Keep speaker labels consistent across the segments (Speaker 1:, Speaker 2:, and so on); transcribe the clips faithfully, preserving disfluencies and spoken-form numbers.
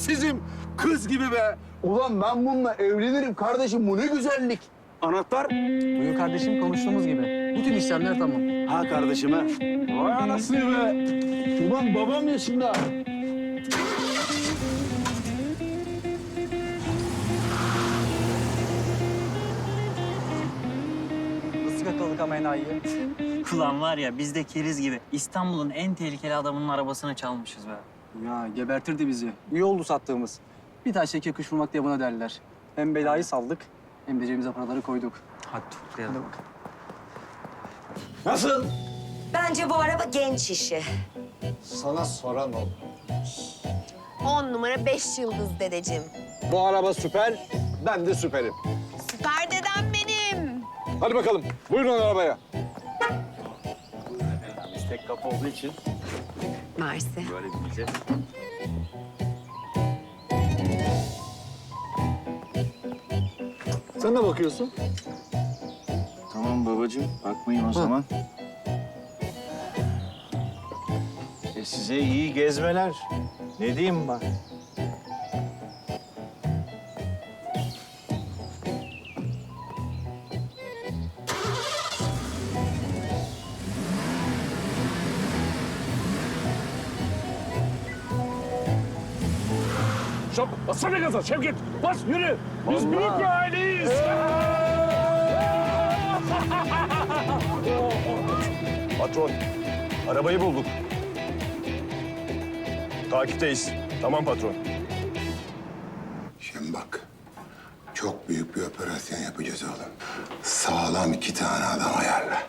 Speaker 1: Prensizim. Kız gibi be. Ulan ben bununla evlenirim kardeşim. Bu ne güzellik. Anahtar?
Speaker 2: Buyur kardeşim, konuştuğumuz gibi. Bütün işlemler tamam.
Speaker 1: Ha kardeşime. Vay anasını be. Ulan babam yaşında.
Speaker 2: Nasıl yakaladık ama enayiyi?
Speaker 3: Ulan var ya biz de keriz gibi İstanbul'un en tehlikeli adamının arabasını çalmışız be.
Speaker 2: Ya gebertirdi bizi. İyi oldu sattığımız. Bir taş iki kuş vurmak diye buna derler. Hem belayı saldık hem de cebimize paraları koyduk.
Speaker 3: Hadi toplayalım.
Speaker 1: Nasıl?
Speaker 4: Bence bu araba genç işi.
Speaker 1: Sana soran ol.
Speaker 5: On numara beş yıldız dedeciğim.
Speaker 1: Bu araba süper. Ben de süperim.
Speaker 5: Süper dedem benim.
Speaker 1: Hadi bakalım. Buyurun arabaya.
Speaker 6: Biz tek kapı olduğu için
Speaker 5: Mersi.
Speaker 6: böyle bineceğiz.
Speaker 1: Sen ne bakıyorsun?
Speaker 6: Tamam babacığım, bakmayın o zaman. E size iyi gezmeler. Ne diyeyim bak?
Speaker 1: Şap, bassana gaza Şevket. Bas, yürü. Biz büyük bir aileyiz.
Speaker 7: Patron, arabayı bulduk. Takipteyiz. Tamam patron.
Speaker 8: Şimdi bak, çok büyük bir operasyon yapacağız oğlum. Sağlam iki tane adam ayarla.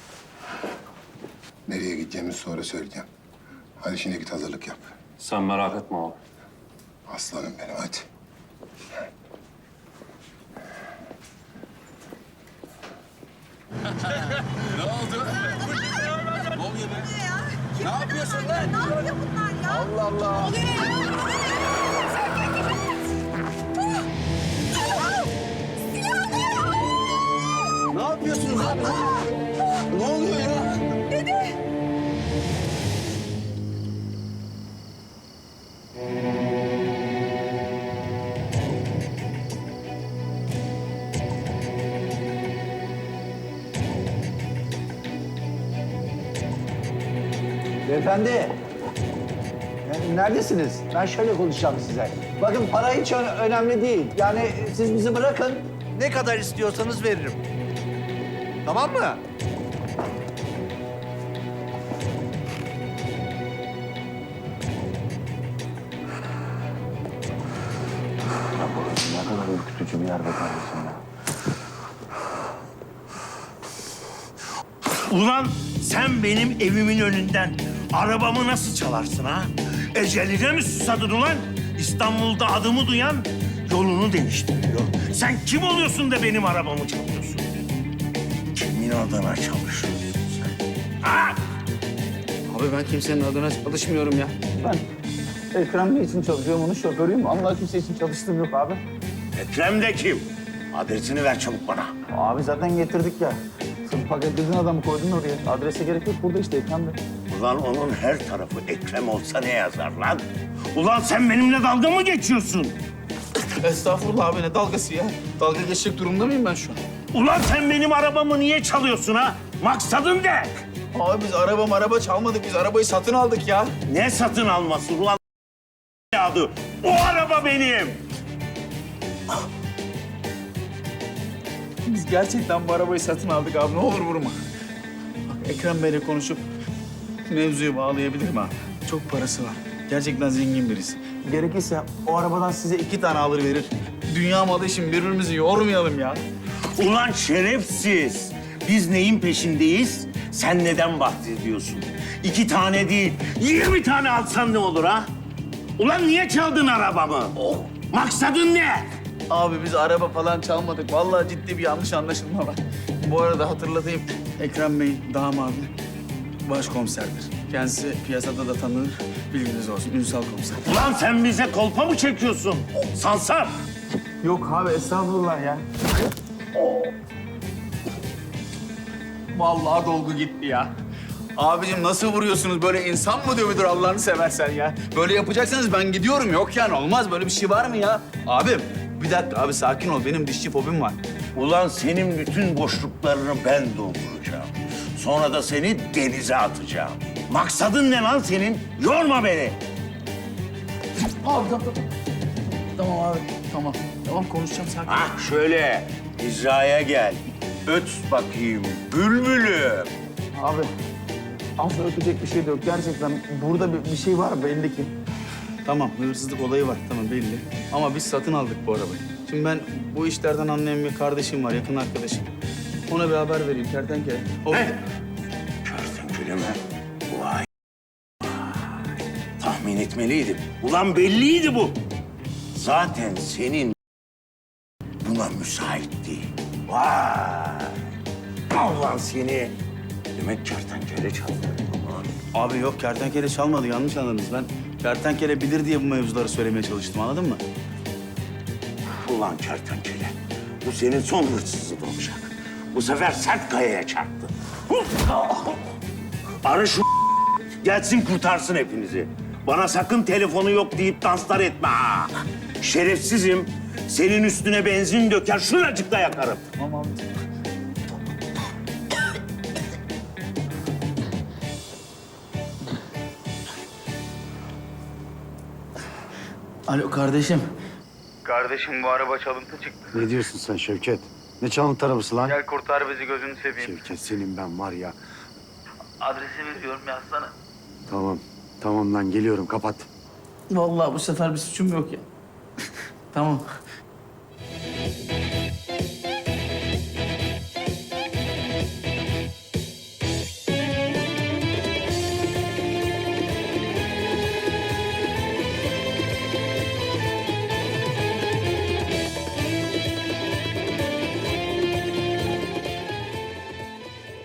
Speaker 8: Nereye gideceğimizi sonra söyleyeceğim. Hadi şimdi git hazırlık yap.
Speaker 7: Sen merak etme abi.
Speaker 8: Aslanım benim hadi.
Speaker 1: Ne yapıyorsun lan?
Speaker 5: Ne yapıyor bunlar ya?
Speaker 1: Allah Allah. Ne yapıyorsunuz lan? Ne oluyor ya?
Speaker 9: Beyefendi, e, neredesiniz? Ben şöyle konuşacağım size. Bakın para hiç ö- önemli değil. Yani siz bizi bırakın. Ne kadar istiyorsanız veririm. Tamam mı?
Speaker 6: Ne kadar ürkütücü bir yer be kardeşim ya.
Speaker 10: Ulan sen benim evimin önünden arabamı nasıl çalarsın ha? Eceline mi susadın ulan? İstanbul'da adımı duyan yolunu değiştiriyor. Sen kim oluyorsun da benim arabamı çalıyorsun? Kimin adına çalışıyorsun sen? Ha?
Speaker 2: Abi ben kimsenin adına çalışmıyorum ya.
Speaker 9: Ben Ekrem Bey için çalışıyorum, onun şoförüyüm. Allah kimse için çalıştığım yok abi.
Speaker 10: Ekrem de kim? Adresini ver çabuk bana.
Speaker 9: Abi zaten getirdik ya. Sırf paketledin adamı koydun oraya. Adrese gerek yok, burada işte Ekrem Bey.
Speaker 10: Ulan onun her tarafı Ekrem olsa ne yazar lan? Ulan sen benimle dalga mı geçiyorsun?
Speaker 2: Estağfurullah abi, ne dalgası ya? Dalga geçecek durumda mıyım ben şu an?
Speaker 10: Ulan sen benim arabamı niye çalıyorsun ha? Maksadın ne?
Speaker 2: Abi biz araba araba çalmadık, biz arabayı satın aldık ya.
Speaker 10: Ne satın alması ulan adı? O araba benim.
Speaker 2: Biz gerçekten bu arabayı satın aldık abi, ne olur vurma. Bak Ekrem Bey'le konuşup mevzuyu bağlayabilirim abi. Çok parası var. Gerçekten zengin birisi. Gerekirse o arabadan size iki tane alır verir. Dünya malı için birbirimizi yormayalım ya.
Speaker 10: Ulan şerefsiz. Biz neyin peşindeyiz? Sen neden bahsediyorsun? İki tane değil, yirmi tane alsan ne olur ha? Ulan niye çaldın arabamı? Maksadın ne?
Speaker 2: Abi biz araba falan çalmadık. Vallahi ciddi bir yanlış anlaşılma var. Bu arada hatırlatayım. Ekrem Bey damadı başkomiserdir. Kendisi piyasada da tanınır. Bilginiz olsun. Ünsal komiser.
Speaker 10: Ulan sen bize kolpa mı çekiyorsun? Sansar.
Speaker 2: Yok abi estağfurullah ya. Vallahi dolgu gitti ya. Abicim nasıl vuruyorsunuz? Böyle insan mı dövülür Allah'ını seversen ya? Böyle yapacaksanız ben gidiyorum. Yok yani olmaz. Böyle bir şey var mı ya? Abim bir dakika abi sakin ol. Benim dişçi fobim var.
Speaker 10: Ulan senin bütün boşluklarını ben dolduracağım. Sonra da seni denize atacağım. Maksadın ne lan senin? Yorma beni.
Speaker 2: Abi tamam tamam. Tamam abi tamam. Tamam konuşacağım sakin.
Speaker 10: Ah şöyle hizaya gel. Öt bakayım bülbülüm.
Speaker 2: Abi asla öpecek bir şey de yok. Gerçekten burada bir, bir şey var belli ki. Tamam hırsızlık olayı var tamam belli. Ama biz satın aldık bu arabayı. Şimdi ben bu işlerden anlayan bir kardeşim var, yakın arkadaşım. Ona bir haber vereyim kertenkele. O...
Speaker 10: Ne? Kertenkele mi? Vay. Vay. Tahmin etmeliydim. Ulan belliydi bu. Zaten senin buna müsaitti. Vay. Allah seni. Demek kertenkele çaldı. Aman.
Speaker 2: Abi yok kertenkele çalmadı yanlış anladınız. Ben kertenkele bilir diye bu mevzuları söylemeye çalıştım anladın mı?
Speaker 10: Ulan kertenkele. Bu senin son hırsızlığın olacak. Bu sefer sert kayaya çarptı. Ara şu gelsin kurtarsın hepinizi. Bana sakın telefonu yok deyip danslar etme ha. Şerefsizim. Senin üstüne benzin döker, şuracıkta yakarım.
Speaker 2: Tamam abi. Alo kardeşim. Kardeşim bu araba çalıntı çıktı.
Speaker 11: Ne diyorsun sen Şevket? Ne çalıntı arabası lan?
Speaker 2: Gel kurtar bizi gözünü seveyim.
Speaker 11: Şevket senin ben var ya.
Speaker 2: Adresi veriyorum yazsana.
Speaker 11: Tamam. Tamam lan geliyorum kapat.
Speaker 2: Vallahi bu sefer bir suçum yok ya. Tamam.